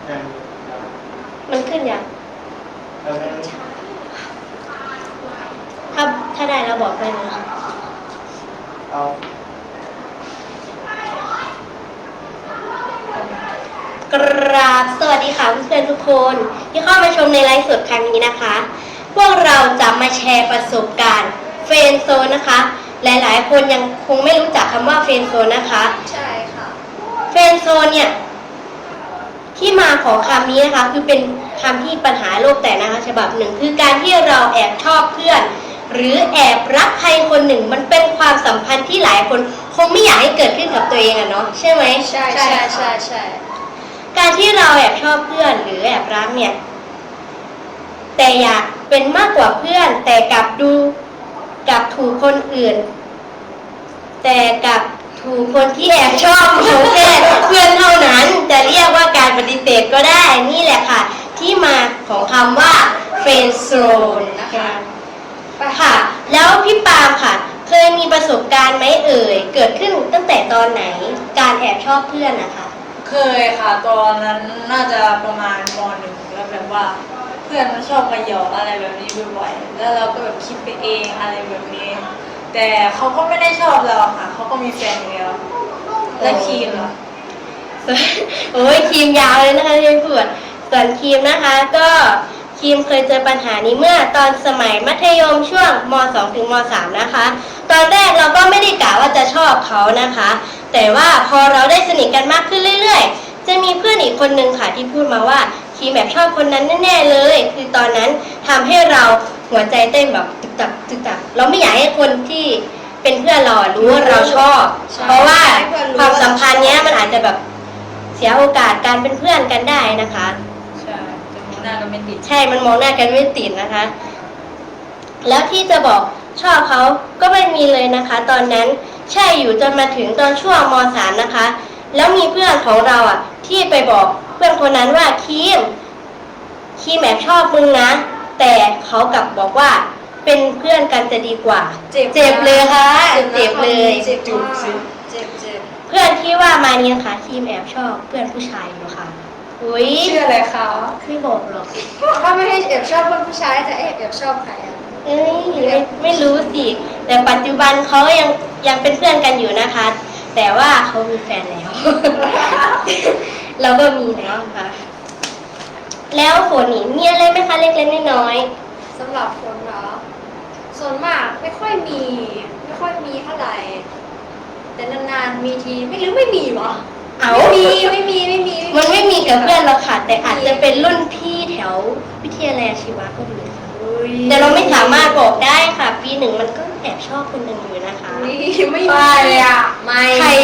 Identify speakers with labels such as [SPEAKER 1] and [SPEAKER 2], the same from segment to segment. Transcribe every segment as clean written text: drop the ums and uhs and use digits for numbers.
[SPEAKER 1] มันขึ้นยังถ้าได้เราบอกไปเลยกราบสวัสดีค่ะเพื่อนๆทุกคนที่เข้ามาชมในไลฟ์สดครั้งนี้นะคะ พวกเราจะมาแชร์ประสบการณ์เฟรนด์โซนนะคะ หลายๆคนยังคงไม่รู้จักคำว่าเฟรนด์โซนนะคะ
[SPEAKER 2] ใช่ค่ะ
[SPEAKER 1] เฟรนด์โซนเนี่ยที่มาของคำนี้นะคะคือเป็นคำที่ปัญหาโลกแตกนะคะฉบับหนึ่งคือการที่เราแอบชอบเพื่อนหรือแอบรักใครคนหนึ่งมันเป็นความสัมพันธ์ที่หลายคนคงไม่อยากให้เกิดขึ้นกับตัวเองอะเนาะใช่ไหม
[SPEAKER 2] ใช่
[SPEAKER 1] การที่เราแอบชอบเพื่อนหรือแอบรักเนี่ยแต่อยากเป็นมากกว่าเพื่อนแต่กลับถูกคนอื่นแต่กลับถูกคนที่แอบชอบเขาแค่เพื่อนเท่านั้นจะเรียกว่าการปฏิเสธก็ได้นี่แหละค่ะที่มาของคำว่าเฟรนด์โซนนะคะค่ะแล้วพี่ปาล์มค่ะเคยมีประสบการณ์ไหมเอ่ยเกิดขึ้นตั้งแต่ตอนไหนการแอบชอบเพื่อนนะคะ
[SPEAKER 3] เคยค่ะตอนนั้นน่าจะประมาณม.1แล้วแบบว่าเพื่อนมันชอบมาหยอกอะไรแบบนี้บ่อยๆแล้วเราก็แบบคิดไปเองอะไรแบบนี้แต่เขาก็ไม่ได้ชอบเราค่ะเขาก็มีแฟนอยู่แล้วและครีมล่ะ
[SPEAKER 1] โอ้ยครีมยาวเลยนะคะที่พูดส่วนครีมนะคะก็ครีมเคยเจอปัญหานี้เมื่อตอนสมัยมัธยมช่วงม.2 ถึงม.3 นะคะตอนแรกเราก็ไม่ได้กะว่าจะชอบเขานะคะแต่ว่าพอเราได้สนิทกันมากขึ้นเรื่อยๆจะมีเพื่อนอีกคนนึงค่ะที่พูดมาว่าครีมแบบชอบคนนั้นแน่ๆเลยคือตอนนั้นทำให้เราหัวใจเต้นแบบตึกตักเราไม่อยากให้คนที่เป็นเพื่อนเรารู้ว่าเราชอบเพราะว่าความสัมพันธ์เนี้ยมันอาจจะแบบเสียโอกาสการเป็นเพื่อนกันได้นะคะ
[SPEAKER 3] ใช่จะมองหน้ากันไม่ติด
[SPEAKER 1] ใช่มันมองหน้ากันไม่ติดนะคะแล้วที่จะบอกชอบเขาก็ไม่มีเลยนะคะตอนนั้นใช่อยู่จนมาถึงตอนช่วงม.3 นะคะแล้วมีเพื่อนของเราอ่ะที่ไปบอกเพื่อนคนนั้นว่าครีมแอบชอบมึงนะแต่เขากลับบอกว่าเป็นเพื่อนกันจะดีกว่าเจ็บเลยค่ะเจ็บเลย
[SPEAKER 2] เจ็บ
[SPEAKER 1] เพื่อนที่ว่ามานี้นะคะครีมแอบชอบเพื่อนผู้ชายอยู่ค่ะ
[SPEAKER 3] อุ้ยชื่ออะไรคะ
[SPEAKER 1] ไม่บอกหรอก
[SPEAKER 2] ถ้าไม่ให้แอบชอบเพื่อนผู้ชายจะแอบชอบใครอ่ะ
[SPEAKER 1] ไม่รู้สิแต่ปัจจุบันเขายังเป็นเพื่อนกันอยู่นะคะแต่ว่าเขามีแฟนแล้วเราก็มีแล้วค่ะแล้วฝนนี่มีอะไรไหมคะเล็กๆน้อย
[SPEAKER 2] ๆสำหรับฝนเหรอส่วนมากไม่ค่อยมีเท่าไหร่แต่นานๆมีทีไม่มีวะไม่มี
[SPEAKER 1] มันไม่มีกับเพื่อนเราค่ะแต่อาจจะเป็นรุ่นพี่แถววิทยาลัยอาชีวะก็มีค่ะแต่เราไม่สามารถบอกได้ค่ะปีหนึ่งมันก็แอบชอบคนหนึ่งอยู่นะคะ
[SPEAKER 2] ไม่เลยอ่ะ
[SPEAKER 1] ใคร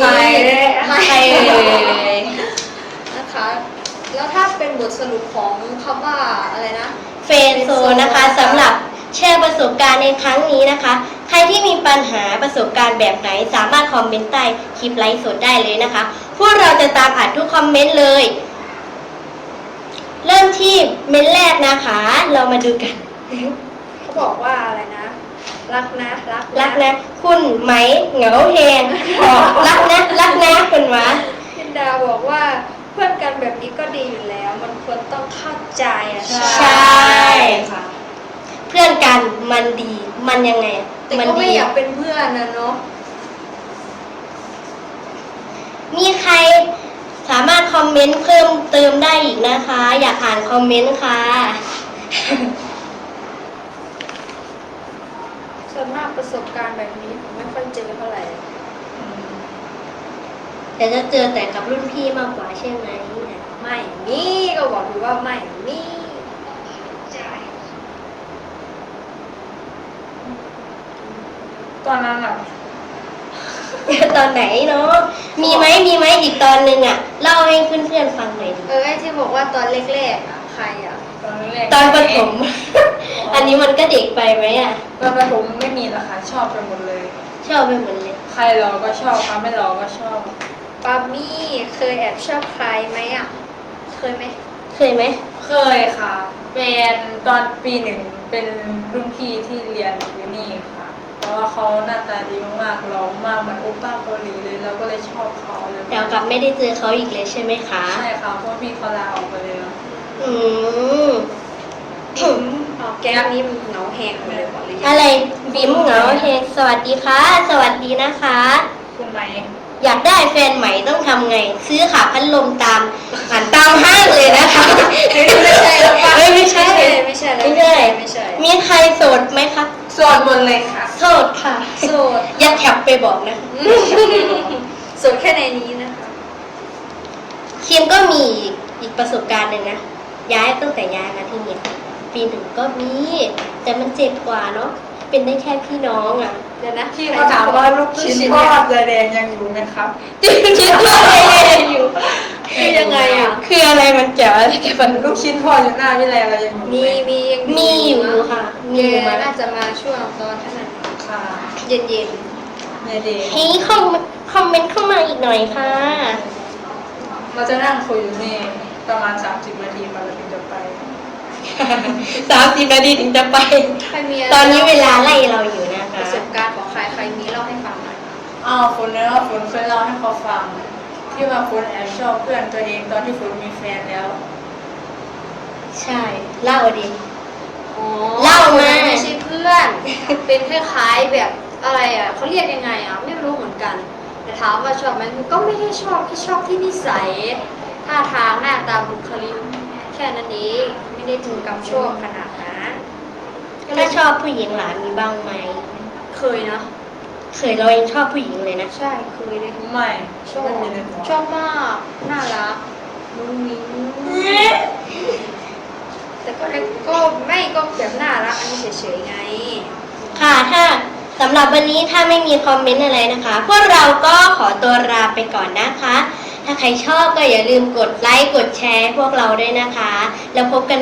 [SPEAKER 1] เลย
[SPEAKER 2] นะคะแล้วถ้าเป็นบทสรุปของคำว่าอะไรนะ
[SPEAKER 1] เฟรนด์โซนนะคะสำหรับแชร์ประสบการณ์ในครั้งนี้นะคะใครที่มีปัญหาประสบการณ์แบบไหนสามารถคอมเมนต์ใต้คลิปไลฟ์สดได้เลยนะคะพวกเราจะตามอ่านทุกคอมเมนต์เลยเริ่มที่เมนต์แรกนะคะเรามาดูกัน
[SPEAKER 2] เขาบอกว่าอะไรนะรัก
[SPEAKER 1] นะคุณไหมเหงาแหงรักนะคุณวะ
[SPEAKER 2] พินดาบอกว่าเพื่อนกันแบบนี้ก็ดีอยู่แล้วมันควรต้องเข้าใจอ่ะ
[SPEAKER 1] ใช่ค่ะเพื่อนกันมันดีมันยังไง
[SPEAKER 2] แต่ก็ไม่อยากเป็นเพื่อนนะเนาะ
[SPEAKER 1] มีใครสามารถคอมเมนต์เพิ่มเติมได้อีกนะคะอยากอ่านคอมเมนต์ค่ะ
[SPEAKER 2] ส่วนมากประสบการณ์แบบนี้ผมไม่ค่อยเจอเท่าไหร่
[SPEAKER 1] แต่จะเจอแต่กับรุ่นพี่มากกว่าใช่ไหม
[SPEAKER 2] ไม่มีก็บอกอยู่ว่าไม่มี
[SPEAKER 3] ตอนนั้นอะ
[SPEAKER 1] ตอนไหนเนาะมีไหมอีกตอนนึงอะเล่าให้เพื่อนๆฟังหน่อยดิ
[SPEAKER 2] ไอ้ที่บอกว่าตอนแรกๆอะใครอะ
[SPEAKER 1] ตอนประถมอันนี้มันก็เด็กไปไหมอะ
[SPEAKER 3] ตอนประถมไม่มีละค่ะชอบไปหมดเลย
[SPEAKER 1] ใคร
[SPEAKER 3] เราก็ชอบไม่เราก็ชอบ
[SPEAKER 2] ปามี่เคยแอบชอบใครไหมอะเคยไหม
[SPEAKER 1] เคย
[SPEAKER 3] ค่ะเป็นตอนปี 1เป็นรุ่นพี่ที่เรียนอยู่นี่ค่ะตอนว่าเขาหน้าตาดีมากๆหล่อมากเหมือนโอป้าเกาหลีเลยเราก็เลยชอบเขาเลย
[SPEAKER 1] แต่กลับไม่ได้เจอเขาอีกเลยใช่ไหมคะ
[SPEAKER 3] ใช่ค่ะเพราะพี่เขาลาออกไปแล้ว
[SPEAKER 1] อืม
[SPEAKER 2] แก๊งนี้มันเหงาแหงเลยบอกเลย
[SPEAKER 1] อะไรบิมเหงาเฮงสวัสดีค่ะ สวัสดีนะคะ
[SPEAKER 3] คุณไหม
[SPEAKER 1] อยากได้แฟนใหม่ต้องทำไง ซื้อขาพัดลมตามห้างเลยนะคะ
[SPEAKER 2] ไม่ใช่แล้วป่ะ
[SPEAKER 1] ไม่ใช่
[SPEAKER 2] ไม่ใช่
[SPEAKER 1] ไม่ใช่
[SPEAKER 2] ไม่ใช่
[SPEAKER 1] มีใครโสดไหมคะ
[SPEAKER 3] โสดหมดเลยค่ะ
[SPEAKER 1] โสดค่ะ
[SPEAKER 2] โสด
[SPEAKER 1] อย่าแคปไปบอกนะ
[SPEAKER 2] โสดแค่ในนี้นะคะ
[SPEAKER 1] คิมก็มีอีกประสบการณ์หนึ่งนะ ย้ายตั้งแต่ย้ายมาที่เนี่ยปีหนึ่งก็มี แต่มันเจ็บกว่าเนาะ เป็นได้แค่พี่น้องอ่ะ
[SPEAKER 2] เดี๋ยวนะ
[SPEAKER 3] พี่เขาถามว่าลูกชิ้นทอดเรือแดงยังอยู่ไหมครับ
[SPEAKER 1] คิดว่าอะไรอยู่
[SPEAKER 2] คือยังไงอ่ะ
[SPEAKER 1] คืออะไรมันเกี่ยวอะไรกับมัน
[SPEAKER 3] ลูกชิ้นทอดอยู่หน้าวิไลเรายังอยู่ไห
[SPEAKER 2] มียัง
[SPEAKER 1] มีอยู่ค่ะ มีอยู่
[SPEAKER 2] มา
[SPEAKER 1] มา
[SPEAKER 2] น่าจะมาช่วงตอนท่านั้น
[SPEAKER 3] ค่ะ
[SPEAKER 2] เย็น
[SPEAKER 3] เยเดย์
[SPEAKER 1] ให้คอมเมนต์เข้ามาอีกหน่อยค่ะ
[SPEAKER 3] เราจะนั่งคุยอยู่นี่ประมาณ30 นาทีมาเราถึงจะไป
[SPEAKER 1] 30 นาทีถึงจะไป
[SPEAKER 2] ๆใครมี
[SPEAKER 1] ตอนนี้เวลาไล่เราอยู่นะ
[SPEAKER 2] ป
[SPEAKER 1] คะ
[SPEAKER 2] ระสบการณ์ของใครมีเล่าให้ฟังหน่อย
[SPEAKER 3] อ้าวฝนเนี่ยว่าฝนเคยเล่าให้เขาฟัง ที่ว่าฝนแอบชอบเพื่อนตัวเองตอนที่ฝนมีแฟนแล้ว
[SPEAKER 1] ใช่ เล่าดิ
[SPEAKER 2] อ๋อ
[SPEAKER 1] เล่ามา
[SPEAKER 2] ไม่ใช่เพื่อน เป็นคล้ายๆแบบอะไรอ่ะเขาเรียกยังไงอ่ะไม่รู้เหมือนกัน แต่ถามว่าชอบไหมมันก็ไม่ได้ชอบแค่ชอบที่นิสัยท่าทางหน้าตาบุคลิกแค่นั้นเองไม่ได้ถึงกับชอบขนาดนั้น
[SPEAKER 1] ถ้าชอบผู้หญิงหลานมีบ้างไหม
[SPEAKER 2] เคยนะ
[SPEAKER 1] เคยเรายังชอบผู้หญิงเลยนะ
[SPEAKER 2] ใช่เคยเลย
[SPEAKER 3] ไม่
[SPEAKER 2] ชอบ
[SPEAKER 3] ไม่มีในหัว
[SPEAKER 2] ชอบมากน่ารักมุ้งมิ้งแต่ก็ไม่ก็แบบน่ารักอันนี้เฉยๆไง
[SPEAKER 1] ค่ะถ้าสำหรับวันนี้ถ้าไม่มีคอมเมนต์อะไรนะคะ พวกเราก็ขอตัวลาไปก่อนนะคะ ถ้าใครชอบก็อย่าลืมกดไลค์กดแชร์พวกเราด้วยนะคะ แล้วพบกัน